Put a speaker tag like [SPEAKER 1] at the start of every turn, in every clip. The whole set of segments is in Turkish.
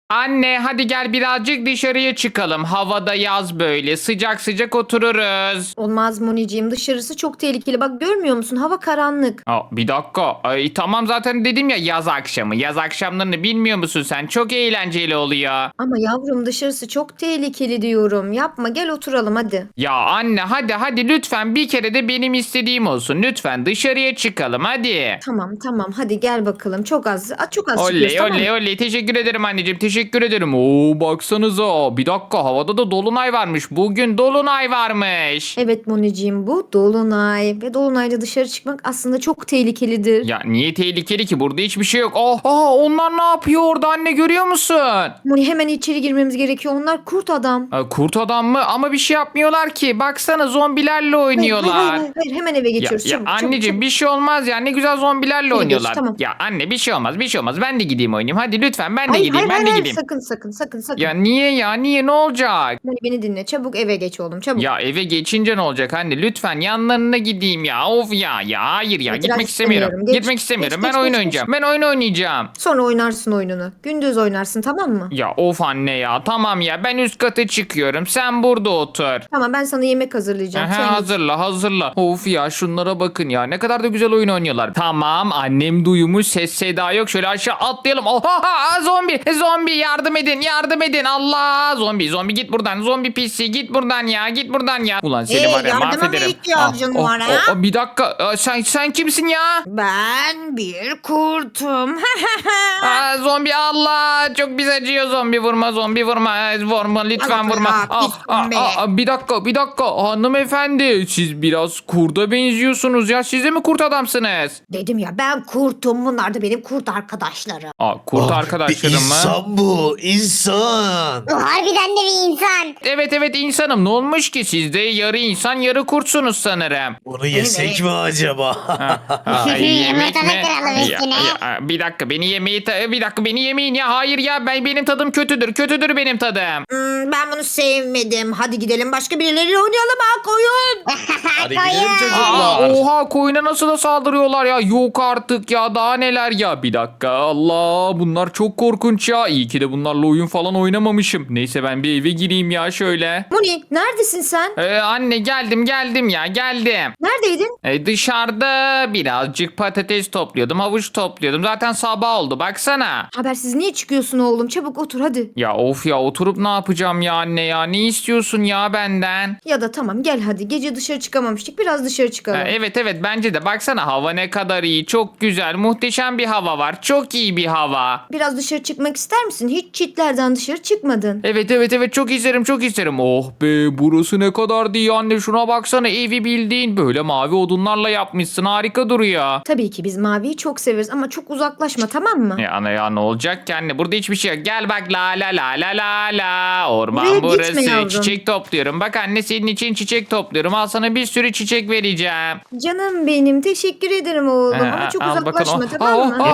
[SPEAKER 1] Anne hadi gel birazcık dışarıya çıkalım. Havada yaz böyle. Sıcak sıcak otururuz.
[SPEAKER 2] Olmaz Moniciğim, dışarısı çok tehlikeli. Bak görmüyor musun? Hava karanlık.
[SPEAKER 1] Bir dakika. Tamam zaten dedim ya yaz akşamı. Yaz akşamlarını bilmiyor musun sen? Çok eğlenceli oluyor.
[SPEAKER 2] Ama yavrum dışarısı çok tehlikeli diyorum. Yapma, gel oturalım hadi.
[SPEAKER 1] Ya anne hadi lütfen bir kere de benim istediğim olsun. Lütfen dışarıya çıkalım hadi.
[SPEAKER 2] Tamam hadi gel bakalım. Çok az çıkıyoruz,
[SPEAKER 1] Oley
[SPEAKER 2] tamam mı?
[SPEAKER 1] oley teşekkür ederim anneciğim teşekkür ederim. Oo baksanıza bir dakika havada da dolunay varmış. Bugün dolunay varmış.
[SPEAKER 2] Evet Moniciğim, bu dolunay ve dolunayda dışarı çıkmak aslında çok tehlikelidir.
[SPEAKER 1] Ya niye tehlikeli ki burada hiçbir şey yok. Onlar ne yapıyor orada anne görüyor musun?
[SPEAKER 2] Moni, hemen içeri girmemiz gerekiyor. Onlar kurt adam.
[SPEAKER 1] Kurt adam mı? Ama bir şey yapmıyorlar ki. Baksana zombilerle oynuyorlar.
[SPEAKER 2] Hayır, hemen eve geçiyoruz.
[SPEAKER 1] Ya
[SPEAKER 2] çabuk,
[SPEAKER 1] anneciğim
[SPEAKER 2] çabuk.
[SPEAKER 1] bir şey olmaz ya ne güzel zombilerle
[SPEAKER 2] Hadi geç,
[SPEAKER 1] oynuyorlar.
[SPEAKER 2] tamam.
[SPEAKER 1] Ya anne bir şey olmaz ben de gideyim oynayayım. Hadi lütfen ben de gideyim ben de gideyim.
[SPEAKER 2] Sakın.
[SPEAKER 1] Ya niye ne olacak?
[SPEAKER 2] Moni beni dinle. Çabuk eve geç oğlum, çabuk.
[SPEAKER 1] Ya eve geçince ne olacak anne? Lütfen yanlarına gideyim ya. Of ya hayır ya
[SPEAKER 2] İtiraz
[SPEAKER 1] gitmek istemiyorum.
[SPEAKER 2] istemiyorum. Geç,
[SPEAKER 1] Gitmek istemiyorum.
[SPEAKER 2] geç,
[SPEAKER 1] Ben oyun
[SPEAKER 2] geç.
[SPEAKER 1] oynayacağım. Ben oyun oynayacağım.
[SPEAKER 2] Sonra oynarsın oyununu. Gündüz oynarsın, tamam mı?
[SPEAKER 1] Ya of anne ya tamam ya ben üst kata çıkıyorum. Sen burada otur.
[SPEAKER 2] Tamam, ben sana yemek hazırlayacağım.
[SPEAKER 1] Aha,
[SPEAKER 2] Sen git.
[SPEAKER 1] hazırla. Of ya şunlara bakın ya. Ne kadar da güzel oyun oynuyorlar. Tamam annem duymuş ses seda yok. Şöyle aşağı atlayalım. Oha zombi yardım edin. Allah zombi git buradan. Zombi pisi git buradan ya. Ulan seni var ya
[SPEAKER 3] yardıma mı
[SPEAKER 1] mahvederim.
[SPEAKER 3] ihtiyacın var ha?
[SPEAKER 1] Bir dakika sen kimsin ya?
[SPEAKER 3] Ben bir kurtum.
[SPEAKER 1] Zombi Allah çok biz acıyor zombi vurma lütfen
[SPEAKER 3] Bak,
[SPEAKER 1] vurma.
[SPEAKER 3] pis zombi.
[SPEAKER 1] Bir dakika hanımefendi siz biraz kurda benziyorsunuz ya siz de mi kurt adamsınız?
[SPEAKER 3] Dedim ya, ben kurtum. Bunlar da benim kurt arkadaşlarım.
[SPEAKER 1] Kurt
[SPEAKER 4] Ah,
[SPEAKER 1] arkadaşlarım mı?
[SPEAKER 4] İnsan bu, insan.
[SPEAKER 3] Harbiden de bir insan.
[SPEAKER 1] Evet insanım ne olmuş ki siz de yarı insan yarı kurtsunuz sanırım.
[SPEAKER 4] Bunu yesek mi acaba?
[SPEAKER 1] Yemek mi?
[SPEAKER 3] Yumurtanı kıralım üstüne.
[SPEAKER 1] Bir dakika beni yemeyin ya hayır ya benim tadım kötüdür benim tadım.
[SPEAKER 3] Ben bunu sevmedim. Hadi gidelim başka birileriyle oynayalım ha, koyun.
[SPEAKER 4] Hadi gidelim çocuklar.
[SPEAKER 1] Oha koyuna nasıl da saldırıyorlar ya yok artık ya daha neler ya bir dakika Allah bunlar çok korkunç ya iyi ki de bunlarla oyun falan oynamamışım neyse ben bir eve gireyim ya şöyle.
[SPEAKER 2] Moni, neredesin sen?
[SPEAKER 1] Anne geldim geldim.
[SPEAKER 2] Neredeydin?
[SPEAKER 1] Dışarıda birazcık patates topluyordum havuç topluyordum zaten sabah oldu baksana.
[SPEAKER 2] Habersiz niye çıkıyorsun oğlum? Çabuk otur hadi.
[SPEAKER 1] Ya of ya oturup ne yapacağım ya anne ya ne istiyorsun ya benden?
[SPEAKER 2] Ya da tamam gel hadi. Gece dışarı çıkamamıştık. Biraz dışarı çıkalım.
[SPEAKER 1] Evet bence de baksana hava ne kadar iyi çok güzel muhteşem bir hava var çok iyi bir hava.
[SPEAKER 2] Biraz dışarı çıkmak ister misin? Hiç çitlerden dışarı çıkmadın.
[SPEAKER 1] Evet çok isterim. Oh be burası ne kadar iyi anne şuna baksana evi bildiğin böyle mavi odunlarla yapmışsın harika duruyor.
[SPEAKER 2] Tabii ki biz maviyi çok severiz ama çok uzaklaşma, tamam mı?
[SPEAKER 1] Ya ne olacak ki anne burada hiçbir şey yok. Gel bak la orman
[SPEAKER 2] Buraya gitme
[SPEAKER 1] burası
[SPEAKER 2] yavrum.
[SPEAKER 1] çiçek topluyorum. Bak anne senin için çiçek topluyorum al sana bir sürü çiçek vereceğim.
[SPEAKER 2] Canım benim, teşekkür ederim oğlum ama çok
[SPEAKER 1] Al
[SPEAKER 2] uzaklaşma,
[SPEAKER 1] bakalım.
[SPEAKER 2] tamam mı?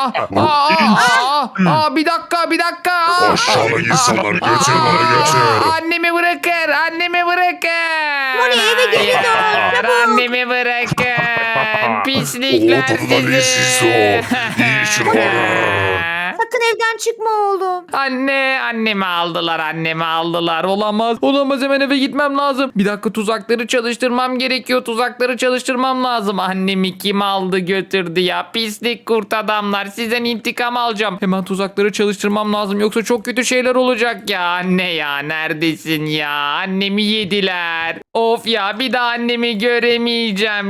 [SPEAKER 1] Bir dakika.
[SPEAKER 5] Aşağılık insanlar geçin bana geçin.
[SPEAKER 1] Annemi bırakın.
[SPEAKER 3] Moni, eve geri dön, çabuk.
[SPEAKER 1] Annemi bırakın. Pislikler
[SPEAKER 5] Odunları siz o. İyi işin var.
[SPEAKER 2] Sakın evden çıkma oğlum.
[SPEAKER 1] Annemi aldılar. Olamaz hemen eve gitmem lazım. Bir dakika tuzakları çalıştırmam gerekiyor. Annemi kim aldı götürdü ya? Pislik kurt adamlar. Sizden intikam alacağım. Hemen tuzakları çalıştırmam lazım. Yoksa çok kötü şeyler olacak ya. Anne ya neredesin ya? Annemi yediler. Of ya bir daha annemi göremeyeceğim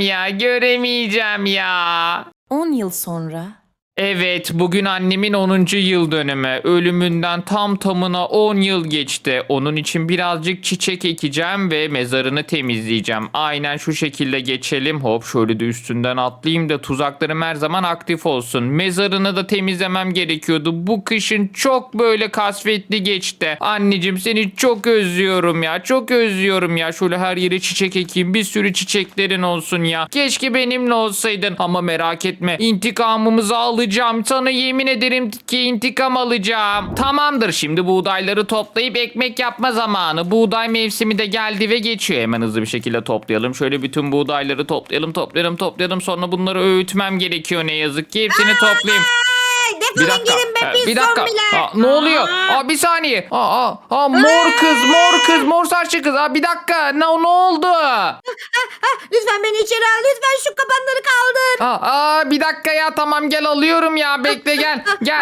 [SPEAKER 1] ya.
[SPEAKER 6] 10 yıl sonra.
[SPEAKER 1] Evet, bugün annemin 10. yıl dönümü. Ölümünden tam tamına 10 yıl geçti. Onun için birazcık çiçek ekeceğim ve mezarını temizleyeceğim. Aynen şu şekilde geçelim. Hop şöyle de üstünden atlayayım da tuzaklarım her zaman aktif olsun. Mezarını da temizlemem gerekiyordu. Bu kışın çok böyle kasvetli geçti. Anneciğim seni çok özlüyorum ya. Şöyle her yere çiçek ekeyim. Bir sürü çiçeklerin olsun ya. Keşke benimle olsaydın. Ama merak etme. İntikamımızı alacağım. Sana yemin ederim ki intikam alacağım. Tamamdır şimdi buğdayları toplayıp ekmek yapma zamanı. Buğday mevsimi de geldi ve geçiyor. Hemen hızlı bir şekilde toplayalım. Şöyle bütün buğdayları toplayalım. Sonra bunları öğütmem gerekiyor ne yazık ki. Hepsini toplayayım.
[SPEAKER 3] Defolun gidin be pis
[SPEAKER 1] Bir dakika.
[SPEAKER 3] zombiler.
[SPEAKER 1] Ne oluyor? Bir saniye. Mor kız, mor saçlı kız. Bir dakika. Ne oldu?
[SPEAKER 3] Lütfen beni içeri al. Lütfen şu kapanları kaldır.
[SPEAKER 1] Bir dakika ya, tamam gel alıyorum ya, bekle gel. Gel.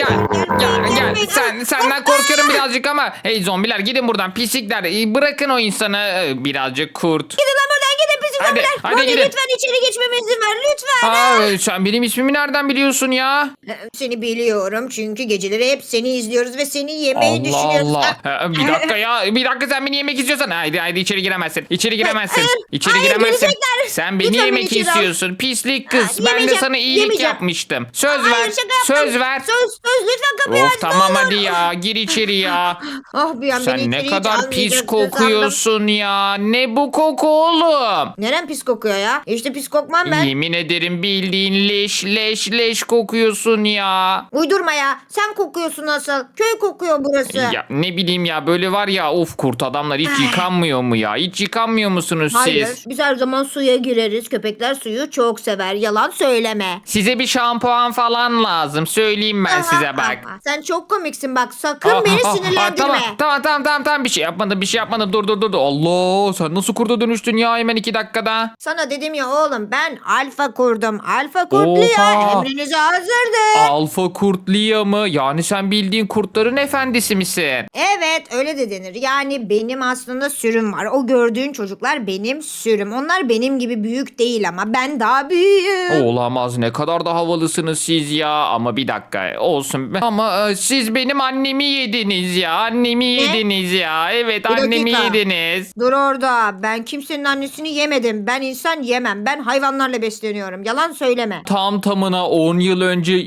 [SPEAKER 1] Senden korkuyorum birazcık ama. Hey zombiler, gidin buradan pislikler. Bırakın o insanı, birazcık kurt.
[SPEAKER 3] Gidin lan buradan gidin pis
[SPEAKER 1] Hadi,
[SPEAKER 3] zombiler.
[SPEAKER 1] hadi
[SPEAKER 3] Moni
[SPEAKER 1] gidin.
[SPEAKER 3] lütfen içeri geçmeme izin ver lütfen.
[SPEAKER 1] Sen benim ismimi nereden biliyorsun ya?
[SPEAKER 3] Seni biliyorum çünkü geceleri hep seni izliyoruz ve seni yemeyi düşünüyoruz.
[SPEAKER 1] Bir dakika ya. Bir dakika, sen beni yemek istiyorsan. Haydi içeri giremezsin. İçeri giremezsin.
[SPEAKER 3] Hayır,
[SPEAKER 1] İçeri
[SPEAKER 3] hayır,
[SPEAKER 1] giremezsin.
[SPEAKER 3] gelecekler.
[SPEAKER 1] Sen beni
[SPEAKER 3] Lütfen beni
[SPEAKER 1] yemek
[SPEAKER 3] içeri al.
[SPEAKER 1] istiyorsun. Pislik kız. Ben de
[SPEAKER 3] Yemeyeceğim,
[SPEAKER 1] sana iyilik
[SPEAKER 3] yemeyeceğim.
[SPEAKER 1] yapmıştım. Söz
[SPEAKER 3] Hayır,
[SPEAKER 1] ver.
[SPEAKER 3] şaka yaptım.
[SPEAKER 1] Söz ver.
[SPEAKER 3] Söz lütfen kapıyı aç.
[SPEAKER 1] Of tamam hadi ya. Gir içeri ya.
[SPEAKER 3] Ah bir an beni
[SPEAKER 1] Sen ne
[SPEAKER 3] içeri hiç
[SPEAKER 1] kadar pis
[SPEAKER 3] almayacaksın sandım.
[SPEAKER 1] kokuyorsun ya. Ne bu koku oğlum?
[SPEAKER 3] Neren pis kokuyor ya? İşte pis kokmam ben.
[SPEAKER 1] Yemin ederim bildiğin leş kokuyorsun ya.
[SPEAKER 3] Uydurma ya. Sen kokuyorsun asıl. Köy kokuyor burası.
[SPEAKER 1] Ya ne bileyim ya, böyle var ya, of kurt adamlar hiç yıkanmıyor mu ya? Hiç yıkanmıyor musunuz
[SPEAKER 3] Hayır.
[SPEAKER 1] siz?
[SPEAKER 3] Biz her zaman suya gireriz. Köpekler suyu çok sever. Yalan söyleme.
[SPEAKER 1] Size bir şampuan falan lazım. Söyleyeyim ben size bak.
[SPEAKER 3] Sen çok komiksin bak. Sakın beni sinirlendirme.
[SPEAKER 1] Tamam, bir şey yapmadım. Dur. Allah, sen nasıl kurda dönüştün ya hemen 2 dakikada?
[SPEAKER 3] Sana dedim ya oğlum ben alfa kurdum. Alfa kurtlu ya.
[SPEAKER 1] Oha.
[SPEAKER 3] Emrinize hazırdır.
[SPEAKER 1] Alfa kurtluya mı? Yani sen bildiğin kurtların efendisi misin?
[SPEAKER 3] Evet öyle de denir. Yani benim aslında sürüm var. O gördüğün çocuklar benim sürüm. Onlar benim gibi büyük değil ama ben daha büyüğüm.
[SPEAKER 1] Olamaz, ne kadar da havalısınız siz ya. Ama bir dakika olsun. Ama siz benim annemi yediniz ya. Annemi yediniz ya. Evet,
[SPEAKER 3] Bir
[SPEAKER 1] annemi
[SPEAKER 3] dakika.
[SPEAKER 1] yediniz.
[SPEAKER 3] Dur orada. Ben kimsenin annesini yemedim. Ben insan yemem. Ben hayvanlarla besleniyorum. Yalan söyleme.
[SPEAKER 1] Tam tamına 10 yıl önce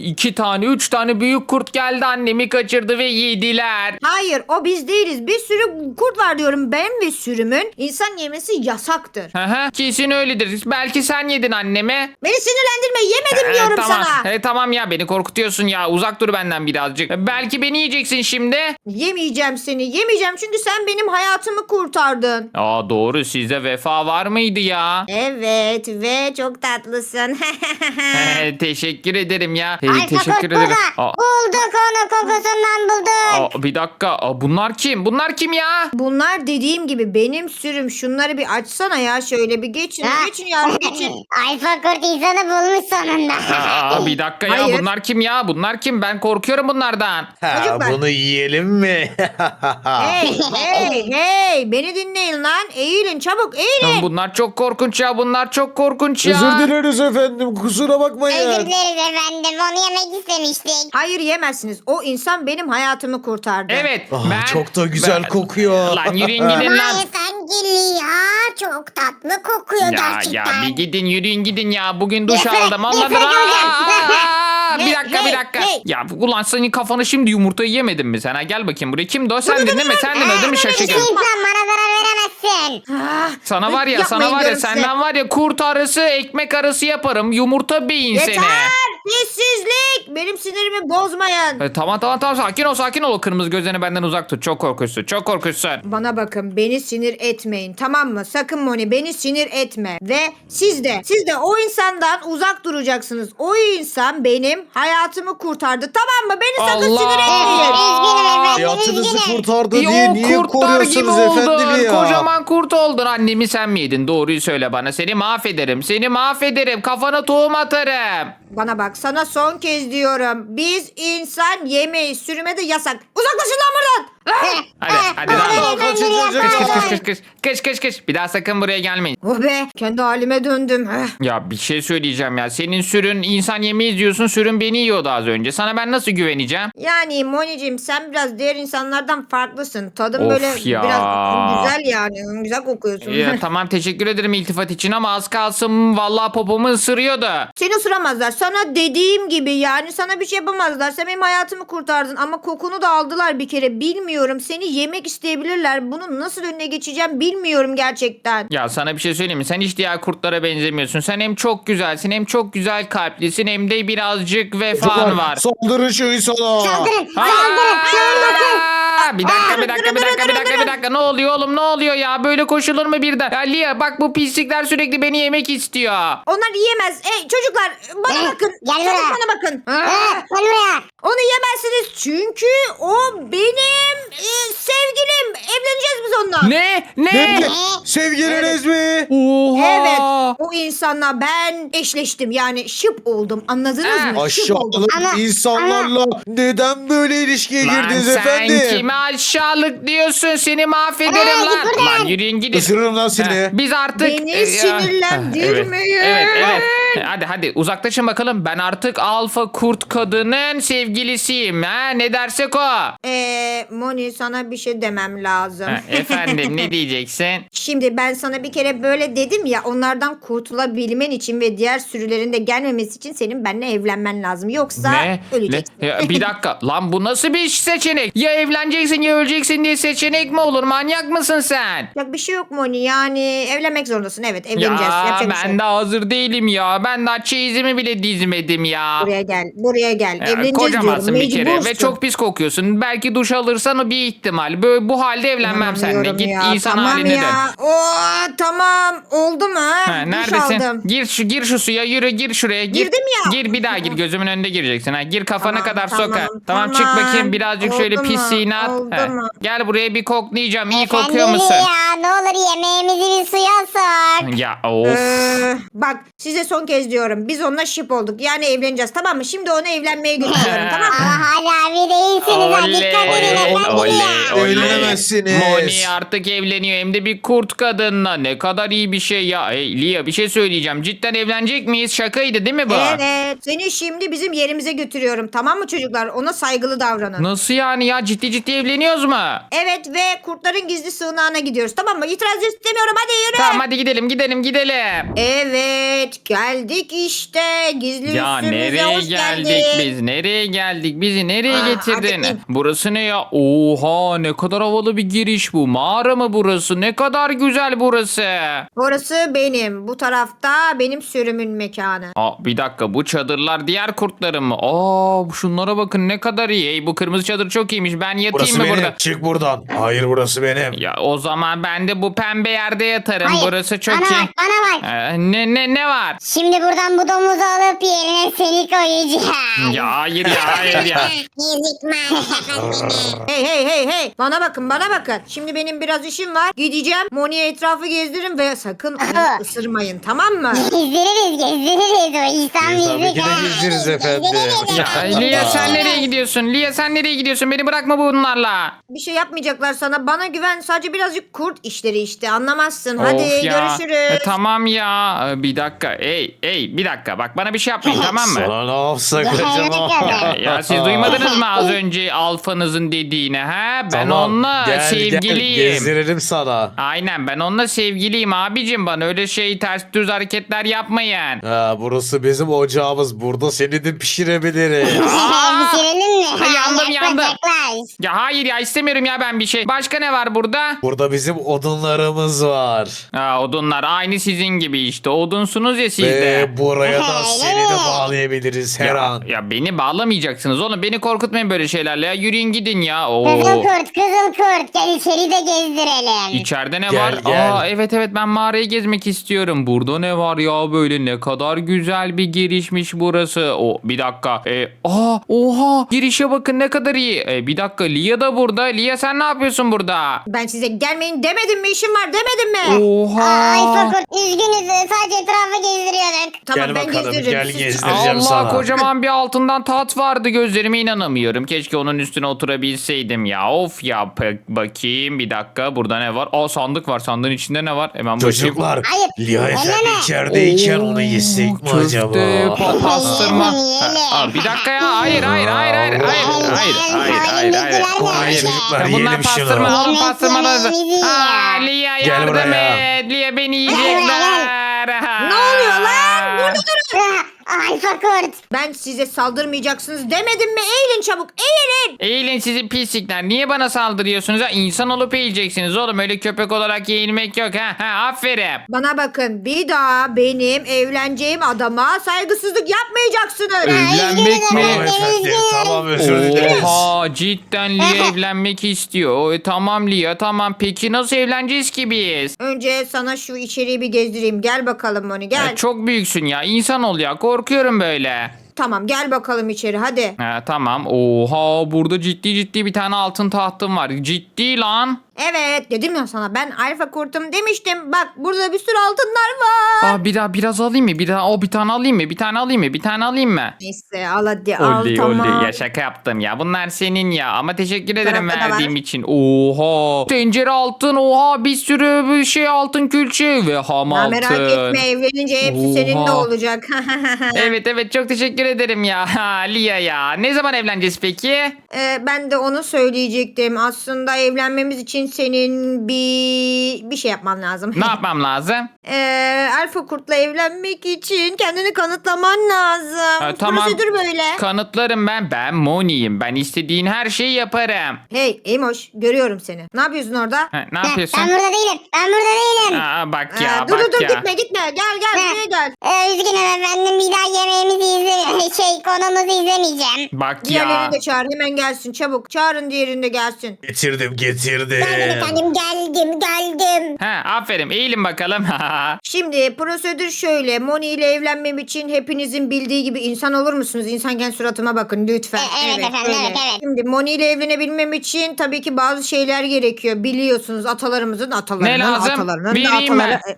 [SPEAKER 1] 3 tane büyük kurt geldi, annemi kaçırdı ve yediler.
[SPEAKER 3] Hayır o biz değiliz. Bir sürü kurt var diyorum. Ben ve sürümün insan yemesi yasaktır.
[SPEAKER 1] Kesin öyledir. Belki sen yedin annemi.
[SPEAKER 3] Beni sinirlendirme. Yemedim diyorum
[SPEAKER 1] Tamam.
[SPEAKER 3] sana.
[SPEAKER 1] Tamam ya, beni korkutuyorsun ya. Uzak dur benden birazcık. Belki beni yiyeceksin şimdi.
[SPEAKER 3] Yemeyeceğim seni. Yemeyeceğim çünkü sen benim hayatımı kurtardın.
[SPEAKER 1] Doğru, sizde vefa var mıydı ya?
[SPEAKER 3] Evet ve çok tatlısın.
[SPEAKER 1] Teşekkür ederim ya.
[SPEAKER 6] Alfa
[SPEAKER 1] Teşekkür
[SPEAKER 6] kurt
[SPEAKER 1] ederim.
[SPEAKER 6] burada. Bulduk onu, kokusundan bulduk.
[SPEAKER 1] Bir dakika. Bunlar kim? Bunlar kim ya?
[SPEAKER 3] Bunlar dediğim gibi benim sürüm. Şunları bir açsana ya. Şöyle bir geçin. Geçin yavrum geçin.
[SPEAKER 6] Alfa kurt insanı bulmuş sonunda.
[SPEAKER 1] Bir dakika ya.
[SPEAKER 3] Hayır.
[SPEAKER 1] Bunlar kim ya? Bunlar kim? Ben korkuyorum bunlardan.
[SPEAKER 3] Çocuklar.
[SPEAKER 4] Bunu yiyelim mi?
[SPEAKER 3] Hey beni dinleyin lan. Eğilin çabuk eğilin.
[SPEAKER 1] Bunlar çok korkunç ya. Bunlar çok korkunç ya.
[SPEAKER 4] Özür dileriz efendim. Kusura
[SPEAKER 6] Özür
[SPEAKER 4] bakmayın.
[SPEAKER 6] dileriz efendim, onu yemek istemiştik.
[SPEAKER 3] Hayır yemezsiniz. O insan benim hayatımı kurtardı.
[SPEAKER 1] Evet.
[SPEAKER 4] Çok da güzel kokuyor.
[SPEAKER 1] Lan yürüyün gidin lan.
[SPEAKER 6] Hayır sen geliyor, çok tatlı kokuyor
[SPEAKER 1] Ya
[SPEAKER 6] gerçekten.
[SPEAKER 1] bir gidin, yürüyün gidin ya. Bugün duş
[SPEAKER 6] Nefret,
[SPEAKER 1] aldım. Ondan
[SPEAKER 6] nefret
[SPEAKER 1] Bir dakika.
[SPEAKER 3] Hey.
[SPEAKER 1] Ya ulan senin kafanı şimdi yumurtayı yemedin mi sen? Gel bakayım buraya. Kimdi o? Sendin değil mi? Sendin o değil mi şaşırdım?
[SPEAKER 6] İnsan bana zarar veremezsin.
[SPEAKER 1] Sana var ya,
[SPEAKER 3] Yapmayın diyorum size.
[SPEAKER 1] senden var ya, kurt arısı, ekmek arısı yaparım. Yumurta beyin seni.
[SPEAKER 3] Yeter. Sessizlik. Benim sinirimi bozmayın.
[SPEAKER 1] Tamam. Sakin ol. O kırmızı gözlerini benden uzak tut. Çok korkunçsun.
[SPEAKER 3] Bana bakın beni sinir etmeyin tamam mı? Sakın Moni beni sinir etme. Ve siz de o insandan uzak duracaksınız. O insan benim hayatımı kurtardı tamam mı? Beni sakın
[SPEAKER 1] Allah!
[SPEAKER 3] sinir etmeyin.
[SPEAKER 6] Üzgünüm efendim,
[SPEAKER 4] Hayatınızı
[SPEAKER 6] üzgünüm.
[SPEAKER 4] kurtardı
[SPEAKER 1] Ya
[SPEAKER 4] diye
[SPEAKER 1] o
[SPEAKER 4] niye
[SPEAKER 1] kurtlar gibi
[SPEAKER 4] koruyorsunuz efendim
[SPEAKER 1] oldun.
[SPEAKER 4] ya?
[SPEAKER 1] Kocaman kurt oldun. Annemi sen mi yedin? Doğruyu söyle bana. Seni mahvederim. Kafana tohum atarım.
[SPEAKER 3] Bana bak sana son kez diyorum. Biz insan yemeyiz. Sürüme de yasak. Uzaklaşın lan buradan.
[SPEAKER 1] Hadi lan.
[SPEAKER 4] Kaçın.
[SPEAKER 1] Kış. Bir daha sakın buraya gelmeyin.
[SPEAKER 3] Oh be kendi halime döndüm.
[SPEAKER 1] Ya bir şey söyleyeceğim ya. Senin sürün insan yemeyiz diyorsun. Sürün beni yiyordu az önce. Sana ben nasıl güveneceğim?
[SPEAKER 3] Yani Moni'cim sen biraz diğer insanlardan farklısın. Tadın
[SPEAKER 1] Of
[SPEAKER 3] böyle
[SPEAKER 1] ya.
[SPEAKER 3] biraz güzel yani. Güzel kokuyorsun.
[SPEAKER 1] Ya tamam, teşekkür ederim iltifat için ama az kalsın vallahi popomu ısırıyordu.
[SPEAKER 3] Seni ısıramazlar. Sana dediğim gibi yani sana bir şey yapamazlar. Sen benim hayatımı kurtardın ama kokunu da aldılar bir kere. Bilmiyorum. Seni yemek isteyebilirler. Bunun nasıl önüne geçeceğim bilmiyorum gerçekten.
[SPEAKER 1] Ya sana bir şey söyleyeyim mi? Sen hiç diğer kurtlara benzemiyorsun. Sen hem çok güzelsin, hem çok güzel kalplisin, hem de birazcık vefan var.
[SPEAKER 4] Saldırın şu insana.
[SPEAKER 6] Saldırın.
[SPEAKER 1] Aa! Bir dakika. Ne oluyor oğlum, ne oluyor ya? Böyle koşulur mu birden? Ya Lia bak, bu pislikler sürekli beni yemek istiyor.
[SPEAKER 3] Onlar yiyemez. Çocuklar bana bakın.
[SPEAKER 6] Gel
[SPEAKER 3] Çabuk
[SPEAKER 6] buraya.
[SPEAKER 3] bana bakın.
[SPEAKER 6] Gel buraya.
[SPEAKER 3] Onu yemezsiniz çünkü o benim sevgilim. Evleneceğiz biz onunla.
[SPEAKER 1] Ne?
[SPEAKER 4] Ne? Sevgiliniz mi?
[SPEAKER 1] Oha.
[SPEAKER 3] Evet. O insanla ben eşleştim. Yani şıp oldum. Anladınız mı? Şıp oldum.
[SPEAKER 4] Aşağılık insanlarla neden böyle ilişkiye
[SPEAKER 1] Lan
[SPEAKER 4] girdiniz
[SPEAKER 1] sen
[SPEAKER 4] efendim?
[SPEAKER 1] kime aşağılık diyorsun? Seni mahvederim
[SPEAKER 6] Aa,
[SPEAKER 1] lan.
[SPEAKER 6] git buradan.
[SPEAKER 1] Lan yürüyün gidin.
[SPEAKER 4] Isırırım lan seni.
[SPEAKER 1] Biz artık...
[SPEAKER 3] Beni
[SPEAKER 1] Ya.
[SPEAKER 3] sinirlendirmeyin.
[SPEAKER 1] Evet. Hadi uzaklaşın bakalım. Ben artık alfa kurt kadının sevgilisiyim. Ha, ne dersek o.
[SPEAKER 3] Moni sana bir şey demem lazım.
[SPEAKER 1] Efendim ne diyeceksin?
[SPEAKER 3] Şimdi ben sana bir kere böyle dedim ya, onlardan kurtulabilmen için ve diğer sürülerin de gelmemesi için senin benimle evlenmen lazım. Yoksa öleceksin.
[SPEAKER 1] Ya, bir dakika. Lan bu nasıl bir seçenek? Ya evleneceksin ya öleceksin diye seçenek mi olur? Manyak mısın sen?
[SPEAKER 3] Ya bir şey yok Moni, yani evlenmek zorundasın. Evet, evleneceğiz.
[SPEAKER 1] Ya
[SPEAKER 3] Yapacak bir şey
[SPEAKER 1] ben
[SPEAKER 3] yok.
[SPEAKER 1] de hazır değilim ya. Ben daha çeyizimi bile dizmedim ya.
[SPEAKER 3] Buraya gel.
[SPEAKER 1] Ya,
[SPEAKER 3] Evleneceğiz
[SPEAKER 1] kocamansın
[SPEAKER 3] diyorum.
[SPEAKER 1] bir kere ve
[SPEAKER 3] Mecbursun.
[SPEAKER 1] çok pis kokuyorsun. Belki duş alırsan o bir ihtimal. Böyle, bu halde evlenmem seninle.
[SPEAKER 3] İnanamıyorum
[SPEAKER 1] Git
[SPEAKER 3] ya.
[SPEAKER 1] insan
[SPEAKER 3] Tamam
[SPEAKER 1] haline
[SPEAKER 3] ya.
[SPEAKER 1] dön.
[SPEAKER 3] Tamam. Oldu mu?
[SPEAKER 1] Ha,
[SPEAKER 3] Duş
[SPEAKER 1] neredesin?
[SPEAKER 3] aldım.
[SPEAKER 1] Gir şu suya, yürü, gir şuraya.
[SPEAKER 3] Girdim ya.
[SPEAKER 1] Gir bir daha gir. Gözümün önünde gireceksin. Ha, gir kafana
[SPEAKER 3] Tamam,
[SPEAKER 1] kadar
[SPEAKER 3] tamam,
[SPEAKER 1] soka. Tamam çık
[SPEAKER 3] tamam.
[SPEAKER 1] bakayım birazcık şöyle
[SPEAKER 3] Oldu mu?
[SPEAKER 1] pisliğini at.
[SPEAKER 3] Oldu
[SPEAKER 1] Ha,
[SPEAKER 3] mu?
[SPEAKER 1] gel buraya bir koklayacağım. İyi
[SPEAKER 6] Efendim
[SPEAKER 1] kokuyor musun?
[SPEAKER 6] ya, ne olur yemeğimizi bir suya sok.
[SPEAKER 1] Ya of.
[SPEAKER 3] Bak size son kez diyorum. Biz onunla şıp olduk. Yani evleneceğiz, tamam mı? Şimdi onu evlenmeye götürüyorum, tamam mı?
[SPEAKER 6] Ama hala bir değilsiniz. Ha, dikkat edin efendim ya.
[SPEAKER 4] Evlenemezsiniz.
[SPEAKER 1] Moni artık evleniyor hem de bir kurt kadınla. Ne kadar iyi bir şey ya. Hey Lia, bir şey söyleyeceğim. Cidden evlenecek miyiz? Şakaydı değil mi bu?
[SPEAKER 3] Evet. Seni şimdi bizim yerimize götürüyorum. Tamam mı çocuklar? Ona saygılı davranın.
[SPEAKER 1] Nasıl yani ya? Ciddi evleniyoruz mu?
[SPEAKER 3] Evet, ve kurtların gizli sığınağına gidiyoruz. Tamam mı? İtiraz istemiyorum. Hadi yürü.
[SPEAKER 1] Tamam hadi gidelim.
[SPEAKER 3] Evet. Geldik işte. Gizli
[SPEAKER 1] Ya
[SPEAKER 3] üssümüze
[SPEAKER 1] nereye
[SPEAKER 3] hoş
[SPEAKER 1] geldik
[SPEAKER 3] geldin.
[SPEAKER 1] biz? Nereye geldik? Bizi nereye getirdin?
[SPEAKER 3] hadi in.
[SPEAKER 1] Burası ne ya? Oha, ne kadar havalı bir giriş bu. Mağara mı burası? Ne kadar güzel burası.
[SPEAKER 3] Orası benim. Bu tarafta benim sürümün mekanı.
[SPEAKER 1] Bir dakika, bu çadırlar diğer kurtların mı? Şunlara bakın ne kadar iyi. Hey, bu kırmızı çadır çok iyiymiş. Ben yatayım
[SPEAKER 4] Burası
[SPEAKER 1] mı
[SPEAKER 4] benim.
[SPEAKER 1] burada?
[SPEAKER 4] Çık buradan. Hayır burası benim.
[SPEAKER 1] Ya o zaman ben de bu pembe yerde yatarım.
[SPEAKER 6] Hayır,
[SPEAKER 1] Burası çok
[SPEAKER 6] bana
[SPEAKER 1] iyi.
[SPEAKER 6] bak, bana bak.
[SPEAKER 1] Ne var?
[SPEAKER 6] Şimdi buradan bu domuzu alıp yerine seni koyacağım.
[SPEAKER 1] Ya hayır ya.
[SPEAKER 6] Ezik maalesef.
[SPEAKER 3] Hey. Bana bakın. Şimdi benim biraz işim var. Gideceğim. Moni'ye etrafı gezdiririm ve sakın onu ısırmayın, tamam mı?
[SPEAKER 6] Gezdiririz. O İhsan bizi
[SPEAKER 4] Tabii ki de gezdiririz efendim.
[SPEAKER 1] Lia sen nereye gidiyorsun? Beni bırakma bunlarla.
[SPEAKER 3] Bir şey yapmayacaklar sana. Bana güven. Sadece birazcık kurt işleri işte. Anlamazsın. Hadi
[SPEAKER 1] Of ya.
[SPEAKER 3] görüşürüz.
[SPEAKER 1] Tamam ya. Bir dakika. Ey bir dakika. Bak bana bir şey yapmayın tamam mı?
[SPEAKER 4] Sana ne yapsak acaba?
[SPEAKER 1] Ya siz duymadınız mı az önce alfanızın dediğini ha? Ben
[SPEAKER 4] Tamam,
[SPEAKER 1] onunla
[SPEAKER 4] gel,
[SPEAKER 1] sevgiliyim.
[SPEAKER 4] Gel, gezdiririm sana.
[SPEAKER 1] Aynen, ben onunla sevgiliyim abicim, bana öyle ters düz hareketler yapmayın.
[SPEAKER 4] Burası bizim ocağımız. Burada seni de pişirebiliriz.
[SPEAKER 6] Bitirelim mi?
[SPEAKER 1] Yandım.
[SPEAKER 6] Yaklaş.
[SPEAKER 1] Ya hayır ya, istemiyorum ya ben bir şey. Başka ne var burada?
[SPEAKER 4] Burada bizim odunlarımız var.
[SPEAKER 1] Odunlar aynı sizin gibi işte. Odunsunuz ya siz de.
[SPEAKER 4] Ve buraya da
[SPEAKER 6] Öyle
[SPEAKER 4] seni de
[SPEAKER 6] mi?
[SPEAKER 4] bağlayabiliriz her an.
[SPEAKER 1] Ya beni bağlamayacaksınız oğlum. Beni korkutmayın böyle şeylerle ya. Yürüyün gidin ya.
[SPEAKER 6] Kızıl kurt. Gel içeri de gezdirelim.
[SPEAKER 1] İçeride ne
[SPEAKER 4] Gel,
[SPEAKER 1] var?
[SPEAKER 4] gel.
[SPEAKER 1] Evet ben mağarayı gezmek istiyorum. Burada ne var ya böyle, ne kadar güzel bir girişmiş burası. Bir dakika. Oha, girişe bakın ne kadar iyi. Bir dakika, Lia da burada. Lia sen ne yapıyorsun burada?
[SPEAKER 3] Ben size gelmeyin demedim mi? İşim var demedim mi?
[SPEAKER 1] Oha.
[SPEAKER 6] Ay Fakir, üzgünüz. Sadece etrafı gezdiriyorduk.
[SPEAKER 3] Tamam,
[SPEAKER 4] Gel
[SPEAKER 3] ben
[SPEAKER 4] bakalım,
[SPEAKER 3] gezdiririm.
[SPEAKER 4] gel
[SPEAKER 3] Siz-
[SPEAKER 4] gezdireceğim
[SPEAKER 1] Allah,
[SPEAKER 4] sana.
[SPEAKER 1] kocaman bir altından tat vardı, gözlerime inanamıyorum. Keşke onun üstüne oturabilseydim ya. Of ya, bakayım bir dakika, burada ne var? Sandık var, sandığın içinde ne var? Hemen bakayım.
[SPEAKER 4] Çocuklar,
[SPEAKER 6] Hayır,
[SPEAKER 4] Lia efendi
[SPEAKER 6] elleme.
[SPEAKER 4] içerideyken onu yesek mi
[SPEAKER 1] Köfte,
[SPEAKER 4] acaba?
[SPEAKER 1] pastırma.
[SPEAKER 6] Yiyelim.
[SPEAKER 1] Bir dakika ya, hayır.
[SPEAKER 6] Hayır.
[SPEAKER 4] Çocuklar,
[SPEAKER 1] Ya bunlar
[SPEAKER 4] yiyelim şunu.
[SPEAKER 1] pastırma, alın
[SPEAKER 6] Yemek
[SPEAKER 1] pastırmaları.
[SPEAKER 6] yemeğimizi ye.
[SPEAKER 1] Lia
[SPEAKER 4] Gel
[SPEAKER 1] yardım
[SPEAKER 4] buraya.
[SPEAKER 1] et. Lia beni yiyecekler.
[SPEAKER 3] Ne oluyor lan? Burada durun.
[SPEAKER 6] Alfa kurt.
[SPEAKER 3] Ben size saldırmayacaksınız demedim mi? Eğilin çabuk, eğilin.
[SPEAKER 1] Eğilin sizi pislikler. Niye bana saldırıyorsunuz? Ha? İnsan olup eğileceksiniz oğlum. Öyle köpek olarak eğilmek yok. Aferin.
[SPEAKER 3] Bana bakın, bir daha benim evleneceğim adama saygısızlık yapmayacaksınız.
[SPEAKER 1] Evlenmek mi?
[SPEAKER 4] Tamam efendim, tamam, özür dileriz.
[SPEAKER 1] Oha, cidden Lia evlenmek istiyor. Tamam Lia, tamam. Peki nasıl evleneceğiz ki biz?
[SPEAKER 3] Önce sana şu içeriği bir gezdireyim. Gel bakalım Moni, gel.
[SPEAKER 1] Çok büyüksün ya. İnsan ol ya. Korkuyorum böyle.
[SPEAKER 3] Tamam, gel bakalım içeri hadi.
[SPEAKER 1] Tamam. Oha, burada ciddi bir tane altın tahtım var. Ciddi lan.
[SPEAKER 3] Evet, dedim ya sana, ben alfa kurtum demiştim. Bak, burada bir sürü altınlar var.
[SPEAKER 1] Biraz alayım mı? Bir tane alayım mı? Bir tane alayım mı?
[SPEAKER 3] Neyse, al hadi, al,
[SPEAKER 1] Oley
[SPEAKER 3] tamam.
[SPEAKER 1] oley ya, şaka yaptım ya. Bunlar senin ya, ama teşekkür ederim
[SPEAKER 3] tarafta da
[SPEAKER 1] verdiğim
[SPEAKER 3] var.
[SPEAKER 1] için. Oha, tencere altın, oha, bir sürü bir şey altın, külçe ve ham
[SPEAKER 3] Ya
[SPEAKER 1] altın.
[SPEAKER 3] merak etme, evlenince hepsi senin de
[SPEAKER 1] Oha.
[SPEAKER 3] olacak.
[SPEAKER 1] Evet çok teşekkür ederim ya Lia ya. Ne zaman evleneceğiz peki?
[SPEAKER 3] Ben de onu söyleyecektim. Aslında evlenmemiz için senin bir şey yapman lazım.
[SPEAKER 1] Ne yapmam lazım?
[SPEAKER 3] Alfa kurtla evlenmek için kendini kanıtlaman lazım.
[SPEAKER 1] Tamam.
[SPEAKER 3] Prosedür böyle.
[SPEAKER 1] Kanıtlarım ben. Ben Moni'yim. Ben istediğin her şeyi yaparım.
[SPEAKER 3] Hey Emoş, görüyorum seni. Ne yapıyorsun orada?
[SPEAKER 1] Ne yapıyorsun?
[SPEAKER 6] Ben burada değilim. Ben burada değilim.
[SPEAKER 1] Bak ya,
[SPEAKER 3] dur
[SPEAKER 1] bak
[SPEAKER 3] dur
[SPEAKER 1] ya.
[SPEAKER 3] gitme gel buraya gel.
[SPEAKER 6] Üzgünüm efendim. Bir daha yemeğimizi konumuzu izlemeyeceğim.
[SPEAKER 1] Bak ya.
[SPEAKER 3] Diğerlerini de çağır, hemen gelsin çabuk. Çağırın, diğerini de gelsin.
[SPEAKER 4] Getirdim.
[SPEAKER 6] Geldim efendim. Geldim.
[SPEAKER 1] Aferin, eğilin bakalım.
[SPEAKER 3] Şimdi prosedür şöyle. Moni ile evlenmem için hepinizin bildiği gibi insan olur musunuz? İnsanken suratıma bakın lütfen.
[SPEAKER 6] Evet efendim,
[SPEAKER 3] öyle.
[SPEAKER 6] evet.
[SPEAKER 3] Şimdi Moni ile evlenebilmem için tabii ki bazı şeyler gerekiyor. Biliyorsunuz atalarımızın
[SPEAKER 1] Ne lazım?
[SPEAKER 3] atalarının da
[SPEAKER 1] Vereyim mi?
[SPEAKER 3] ataları.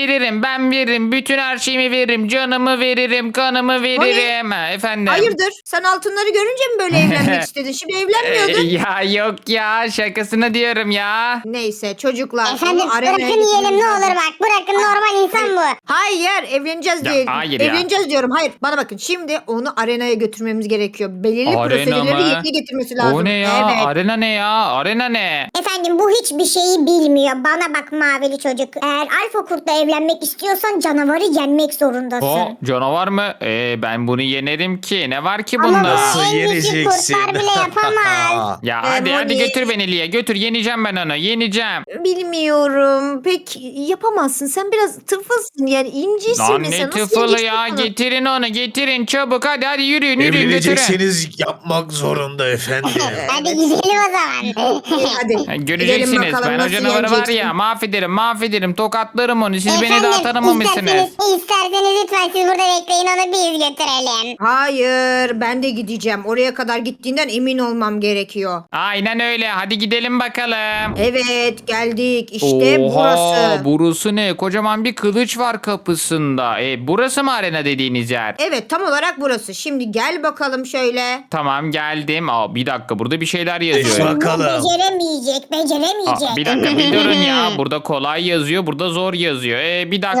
[SPEAKER 1] Ben veririm. Bütün her şeyimi veririm. Canımı veririm, kanımı veririm. Efendim.
[SPEAKER 3] Hayırdır? Sen altınları görünce mi böyle evlenmek istedin? Şimdi evlenmiyordun.
[SPEAKER 1] Ya yok ya, şakasına diyorum ya.
[SPEAKER 3] Neyse çocuklar.
[SPEAKER 6] Efendim
[SPEAKER 3] onu arenaya
[SPEAKER 6] bırakın yiyelim
[SPEAKER 3] getirmemiz
[SPEAKER 6] ne
[SPEAKER 3] lazım.
[SPEAKER 6] olur bak. Bırakın normal insan bu.
[SPEAKER 3] Hayır, evleneceğiz
[SPEAKER 1] Ya,
[SPEAKER 3] diye.
[SPEAKER 1] hayır ya.
[SPEAKER 3] Evleneceğiz diyorum. Hayır, bana bakın. Şimdi onu arenaya götürmemiz gerekiyor. Belirli
[SPEAKER 1] Arena
[SPEAKER 3] prosedürleri
[SPEAKER 1] mı?
[SPEAKER 3] yerine getirmesi lazım.
[SPEAKER 1] O ne ya?
[SPEAKER 3] Evet.
[SPEAKER 1] Arena ne ya? Arena ne?
[SPEAKER 6] Efendim bu hiçbir şeyi bilmiyor. Bana bak mavili çocuk. Eğer alfa kurtla evlenmek istiyorsan canavarı yenmek zorundasın.
[SPEAKER 1] O canavar mı? Ben bunu yenerim ki. Ne var ki
[SPEAKER 6] Ama
[SPEAKER 1] bunda?
[SPEAKER 6] bunu
[SPEAKER 4] Nasıl
[SPEAKER 6] en güçlü
[SPEAKER 4] yeneceksin?
[SPEAKER 6] kurtlar bile yapamaz.
[SPEAKER 1] Ya hadi
[SPEAKER 3] Moni.
[SPEAKER 1] götür beni Liye. Götür, yeneceğim ben onu. Yeneceğim.
[SPEAKER 2] Bilmiyorum. Pek yapamazsın. Sen biraz tıfılsın yani incisin
[SPEAKER 1] Lan
[SPEAKER 2] mesela.
[SPEAKER 1] ne
[SPEAKER 2] Nasıl
[SPEAKER 1] tıfılı
[SPEAKER 2] yeneceksin
[SPEAKER 1] ya.
[SPEAKER 2] onu?
[SPEAKER 1] Getirin onu, getirin çabuk. Hadi yürüyün götürün.
[SPEAKER 4] Evlenecekseniz yapmak zorunda efendim.
[SPEAKER 6] Hadi gidelim o zaman.
[SPEAKER 3] Hadi.
[SPEAKER 1] Göreceksiniz.
[SPEAKER 3] Gidelim bakalım
[SPEAKER 1] Ben o
[SPEAKER 3] nasıl
[SPEAKER 1] canavarı var
[SPEAKER 3] yeneceksin.
[SPEAKER 1] ya, mahvederim. Tokatlarım onu. Siz beni
[SPEAKER 6] Efendim,
[SPEAKER 1] daha tanımamışsınız.
[SPEAKER 6] isterseniz lütfen siz burada bekleyin onu biz götürelim.
[SPEAKER 3] Hayır, ben de gideceğim. Oraya kadar gittiğinden emin olmam gerekiyor.
[SPEAKER 1] Aynen öyle. Hadi gidelim bakalım.
[SPEAKER 3] Evet, geldik. İşte
[SPEAKER 1] Oha,
[SPEAKER 3] burası.
[SPEAKER 1] burası ne? Kocaman bir kılıç var kapısında. Burası mı arena dediğiniz yer?
[SPEAKER 3] Evet, tam olarak burası. Şimdi gel bakalım şöyle.
[SPEAKER 1] Tamam, geldim. Bir dakika, burada bir şeyler yazıyor.
[SPEAKER 4] Bakalım.
[SPEAKER 6] Beceremeyecek.
[SPEAKER 1] Bir dakika, bir durun ya. Burada kolay yazıyor, burada zor yazıyor. Bir dakika.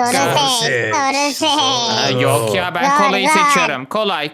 [SPEAKER 6] Doğrusu.
[SPEAKER 1] Yok ya, ben
[SPEAKER 6] Zor,
[SPEAKER 1] kolayı
[SPEAKER 6] zor.
[SPEAKER 1] seçiyorum. Kolay.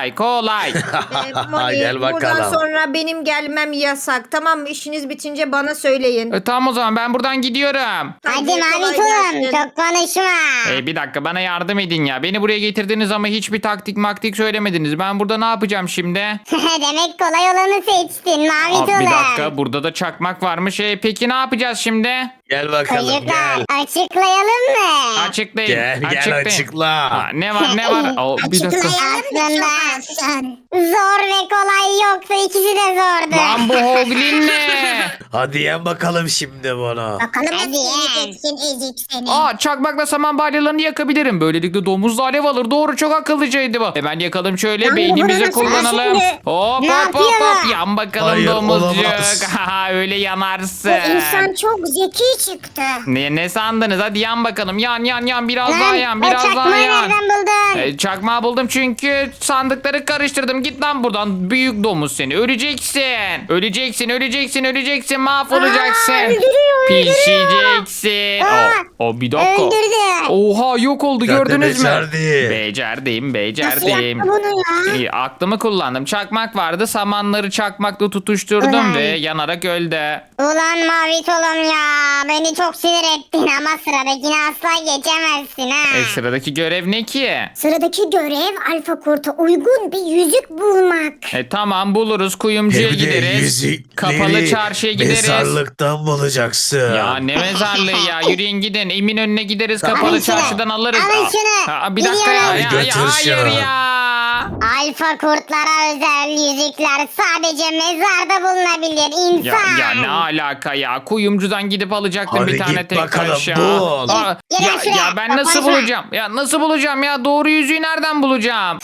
[SPEAKER 3] Moni,
[SPEAKER 4] Gel
[SPEAKER 3] buradan
[SPEAKER 4] bakalım.
[SPEAKER 3] sonra benim gelmem yasak. Tamam mı? İşiniz bitince bana söyleyin.
[SPEAKER 1] Tamam o zaman, ben buradan gidiyorum.
[SPEAKER 6] Hadi
[SPEAKER 3] kolay
[SPEAKER 6] mavi tulum
[SPEAKER 3] gelsin.
[SPEAKER 6] çok konuşma.
[SPEAKER 1] Bir dakika, bana yardım edin ya. Beni buraya getirdiniz ama hiçbir taktik söylemediniz. Ben burada ne yapacağım şimdi?
[SPEAKER 6] Demek kolay olanı seçtin mavi
[SPEAKER 1] Bir
[SPEAKER 6] tulum.
[SPEAKER 1] dakika, burada da çakmak varmış. Peki ne yapacağız şimdi?
[SPEAKER 4] Gel bakalım
[SPEAKER 6] Çocuklar
[SPEAKER 4] gel.
[SPEAKER 6] açıklayalım mı?
[SPEAKER 1] Açıklayın.
[SPEAKER 4] Gel açıkla.
[SPEAKER 1] Ne var? Bir dakika.
[SPEAKER 6] Aslında zor ve kolay yoksa ikisi de zordu.
[SPEAKER 1] Lan bu Hoglin ne?
[SPEAKER 4] Hadi yen bakalım şimdi bunu.
[SPEAKER 6] Bakalım nasıl yiyeceksin ezik seni.
[SPEAKER 1] Çakmakla saman balyalarını yakabilirim. Böylelikle domuz da alev alır. Doğru, çok akıllıcaydı bu. Hemen yakalım şöyle.
[SPEAKER 6] Lan bu
[SPEAKER 1] Beynimizi
[SPEAKER 6] bunu
[SPEAKER 1] kullanalım.
[SPEAKER 6] şimdi-
[SPEAKER 1] Hop
[SPEAKER 6] Ne
[SPEAKER 1] hop hop hop.
[SPEAKER 6] yapıyor?
[SPEAKER 1] Yan bakalım
[SPEAKER 4] Hayır,
[SPEAKER 1] domuzcuk.
[SPEAKER 4] olamaz.
[SPEAKER 1] Haha, öyle yanarsın.
[SPEAKER 6] Bu insan çok zeki çıktı.
[SPEAKER 1] Ne sandınız? Hadi yan bakalım. Yan. Biraz
[SPEAKER 6] Lan,
[SPEAKER 1] daha yan.
[SPEAKER 6] o
[SPEAKER 1] Biraz daha
[SPEAKER 6] çakmağı
[SPEAKER 1] yan.
[SPEAKER 6] nereden buldun?
[SPEAKER 1] Çakmağı buldum çünkü sandıkları karıştırdım. Git lan buradan. Büyük domuz seni. Öleceksin. Öleceksin mahvolacaksın.
[SPEAKER 6] öldürüyor.
[SPEAKER 1] Pişeceksin. O bir dakika.
[SPEAKER 6] Öldürdü.
[SPEAKER 1] Oha yok oldu gördünüz mü?
[SPEAKER 5] becerdi.
[SPEAKER 1] Becerdim.
[SPEAKER 6] Nasıl yaptı bunu ya?
[SPEAKER 1] İyi, aklımı kullandım. Çakmak vardı. Samanları çakmakla tutuşturdum
[SPEAKER 6] Ulan.
[SPEAKER 1] ve yanarak öldü.
[SPEAKER 6] Ulan mavi tolum ya. Beni çok sinir ettin ama sıradakini asla geçemezsin ha.
[SPEAKER 1] Sıradaki görev ne ki?
[SPEAKER 6] Sıradaki görev alfa kurta uygun bir yüzük bulmak.
[SPEAKER 1] Tamam buluruz. Kuyumcuya
[SPEAKER 5] Hem de
[SPEAKER 1] gideriz.
[SPEAKER 5] yüzükleri
[SPEAKER 1] Kapalı çarşıya gideriz.
[SPEAKER 5] mezarlıktan bulacaksın.
[SPEAKER 1] Ya ne mezarlığı ya. Yürüyün gidin. Eminönü'ne gideriz. Kapalı
[SPEAKER 6] Alın şunu,
[SPEAKER 1] çarşıdan alırız.
[SPEAKER 6] alın şunu.
[SPEAKER 1] Bir dakika ya.
[SPEAKER 6] Gidiyorum.
[SPEAKER 1] Ya,
[SPEAKER 5] Götür
[SPEAKER 1] hayır
[SPEAKER 5] şunu.
[SPEAKER 1] ya.
[SPEAKER 6] Alfa kurtlara özel yüzükler sadece mezarda bulunabilir
[SPEAKER 1] Ya,
[SPEAKER 6] insan.
[SPEAKER 1] ya ne alaka ya? Kuyumcudan gidip alacaktım
[SPEAKER 5] Hadi
[SPEAKER 1] bir tane
[SPEAKER 5] git
[SPEAKER 1] tek
[SPEAKER 5] bakalım,
[SPEAKER 1] taş ya.
[SPEAKER 5] bul.
[SPEAKER 6] Gel
[SPEAKER 1] Ya,
[SPEAKER 6] şuraya,
[SPEAKER 1] ya ben nasıl
[SPEAKER 6] kapanma.
[SPEAKER 1] bulacağım? Ya nasıl bulacağım ya? Doğru yüzüğü nereden bulacağım?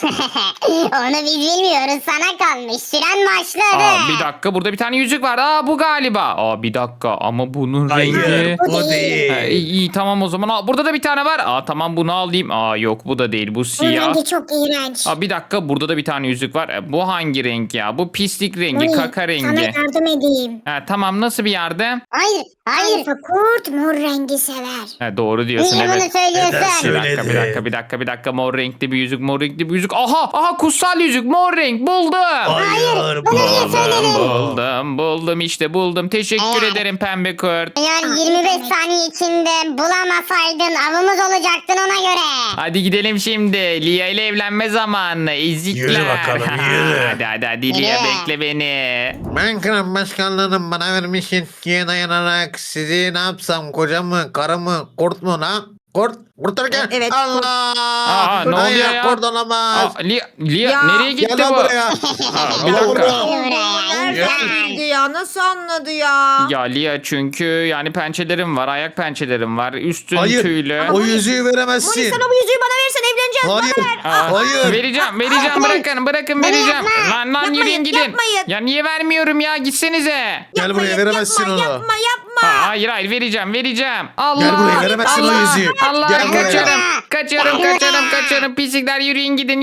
[SPEAKER 6] Onu biz bilmiyoruz, sana kalmış. Süren başladı.
[SPEAKER 1] Bir dakika burada bir tane yüzük var. Bu galiba. Bir dakika ama bunun
[SPEAKER 5] Hayır
[SPEAKER 1] rengi.
[SPEAKER 5] bu değil.
[SPEAKER 1] İyi tamam o zaman. Burada da bir tane var. Tamam bunu alayım. Yok bu da değil. Bu
[SPEAKER 6] Bu
[SPEAKER 1] siyah.
[SPEAKER 6] rengi çok iğrenç.
[SPEAKER 1] Bir dakika burada da bir tane yüzük var. Bu hangi renk ya? Bu pislik rengi,
[SPEAKER 6] Uy,
[SPEAKER 1] kaka
[SPEAKER 6] Sana
[SPEAKER 1] rengi.
[SPEAKER 6] yardım edeyim.
[SPEAKER 1] Tamam nasıl bir yardım?
[SPEAKER 6] Hayır. Alfa kurt mor rengi sever.
[SPEAKER 1] Doğru diyorsun
[SPEAKER 6] Niye bunu
[SPEAKER 1] evet.
[SPEAKER 6] söylüyorsun?
[SPEAKER 5] Neden
[SPEAKER 1] Bir dakika mor renkli bir yüzük. Aha kutsal yüzük mor renk buldum.
[SPEAKER 5] Hayır
[SPEAKER 6] bunu niye söyledin?
[SPEAKER 1] Buldum işte buldum. Teşekkür
[SPEAKER 6] Eğer-
[SPEAKER 1] ederim pembe kurt.
[SPEAKER 6] Eğer 25 saniye içinde bulamasaydın avımız olacaktın ona göre.
[SPEAKER 1] Hadi gidelim şimdi. Lia ile evlenme zamanı. Ezikler.
[SPEAKER 5] Yürü bakalım, yürü.
[SPEAKER 1] hadi Lia
[SPEAKER 6] Yürü.
[SPEAKER 1] bekle beni.
[SPEAKER 4] Ben kral başkanlığının bana vermiş yetkiye dayanarak sizi ne yapsam kocamı, karımı, kurt mu lan? Kurtarırken
[SPEAKER 3] Evet,
[SPEAKER 4] Allah!
[SPEAKER 1] ne oluyor ya?
[SPEAKER 4] Kurt olamaz.
[SPEAKER 1] Lia
[SPEAKER 3] Ya,
[SPEAKER 1] nereye gitti
[SPEAKER 4] Gel lan
[SPEAKER 1] bu?
[SPEAKER 4] buraya.
[SPEAKER 1] Bir
[SPEAKER 4] Gel
[SPEAKER 1] dakika.
[SPEAKER 4] buraya.
[SPEAKER 3] Nereden bildi ya? Nasıl anladı ya?
[SPEAKER 1] Ya Lia çünkü yani pençelerim var, ayak pençelerim var, üstün
[SPEAKER 4] Hayır.
[SPEAKER 1] tüylü.
[SPEAKER 4] O yüzüğü
[SPEAKER 3] Moni
[SPEAKER 4] veremezsin.
[SPEAKER 3] sana bu yüzüğü bana versen evleneceğiz.
[SPEAKER 4] Hayır. Hayır.
[SPEAKER 1] Vereceğim bırakın vereceğim. Lan
[SPEAKER 3] Yapmayın,
[SPEAKER 1] yürüyün gidin.
[SPEAKER 3] yapmayın.
[SPEAKER 1] Ya niye vermiyorum ya gitsenize.
[SPEAKER 4] Gel buraya veremezsin onu.
[SPEAKER 3] Yapma.
[SPEAKER 1] Hayır vereceğim. Allah.
[SPEAKER 4] Gel buraya veremezsin
[SPEAKER 1] Allah,
[SPEAKER 4] o yüzüğü.
[SPEAKER 1] Allah
[SPEAKER 4] Gel buraya.
[SPEAKER 1] kaçıyorum. Pislikler yürüyün gidin.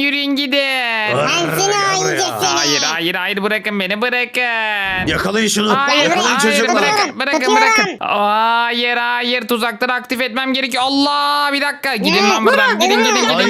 [SPEAKER 6] Sensin o
[SPEAKER 5] buraya.
[SPEAKER 6] incesini.
[SPEAKER 1] Hayır bırakın beni bırakın.
[SPEAKER 5] Yakalayın şunu.
[SPEAKER 1] Hayır
[SPEAKER 5] Yakalayın çocuklar.
[SPEAKER 1] bırakın. Hayır tuzakları aktif etmem gerekiyor. Allah bir dakika gidin lan buradan. Gidin.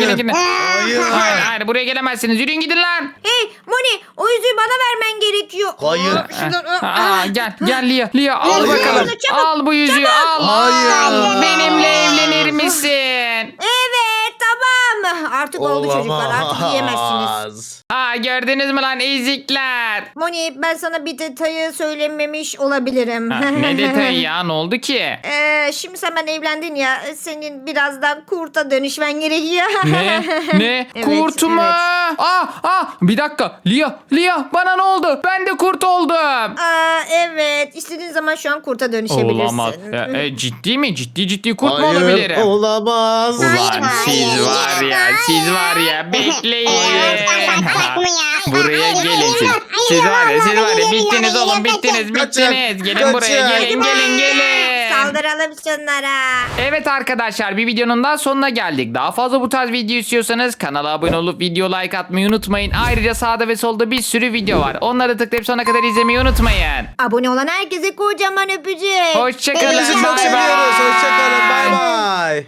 [SPEAKER 1] Hayır buraya gelemezsiniz. Yürüyün gidin lan.
[SPEAKER 3] Hey Moni o yüzüğü bana vermen gerekiyor.
[SPEAKER 5] Hayır.
[SPEAKER 1] Gel Lia al
[SPEAKER 3] Al
[SPEAKER 1] bakalım.
[SPEAKER 3] şunu, çabuk,
[SPEAKER 1] Al bu yüzüğü al.
[SPEAKER 4] Hayır.
[SPEAKER 1] Benimle evlenir misin?
[SPEAKER 3] Evet tamam. Artık oldu çocuklar artık yiyemezsiniz.
[SPEAKER 1] Gördünüz mü lan ezikler?
[SPEAKER 3] Moni ben sana bir detayı söylememiş olabilirim.
[SPEAKER 1] Ne detayı ya ne oldu ki?
[SPEAKER 3] Şimdi sen ben evlendin ya senin birazdan kurta dönüşmen gerekiyor.
[SPEAKER 1] Ne?
[SPEAKER 3] Evet,
[SPEAKER 1] Kurt mu?
[SPEAKER 3] evet.
[SPEAKER 1] Bir dakika. Lia bana ne oldu? Ben de kurt oldum.
[SPEAKER 3] Evet istediğin zaman şu an kurta dönüşebilirsin.
[SPEAKER 1] Olamaz. Ciddi mi? Ciddi kurt mu
[SPEAKER 4] Hayır,
[SPEAKER 1] olabilirim?
[SPEAKER 4] olamaz.
[SPEAKER 1] Ulan
[SPEAKER 6] Hayır,
[SPEAKER 1] siz var ya bekleyin.
[SPEAKER 6] Baksak mı ya?
[SPEAKER 1] Buraya
[SPEAKER 6] Hayır,
[SPEAKER 1] gelin
[SPEAKER 6] hayır,
[SPEAKER 1] siz.
[SPEAKER 6] hayır,
[SPEAKER 1] Siz var ya
[SPEAKER 6] hayır,
[SPEAKER 1] bittiniz
[SPEAKER 6] hayır,
[SPEAKER 1] oğlum
[SPEAKER 6] hayır,
[SPEAKER 1] bittiniz.
[SPEAKER 4] Kaçın,
[SPEAKER 1] Gelin buraya
[SPEAKER 4] kaçın.
[SPEAKER 1] gelin.
[SPEAKER 3] Saldıralım şunlara.
[SPEAKER 1] Evet arkadaşlar bir videonun daha sonuna geldik. Daha fazla bu tarz video istiyorsanız kanala abone olup video like atmayı unutmayın. Ayrıca sağda ve solda bir sürü video var. Onları tıklayıp sonuna kadar izlemeyi unutmayın.
[SPEAKER 3] Abone olan herkese kocaman öpücük.
[SPEAKER 1] Hoşçakalın.
[SPEAKER 4] Hepinizi çok
[SPEAKER 1] Bye bye.
[SPEAKER 4] seviyoruz. Hoşçakalın. Bay bay.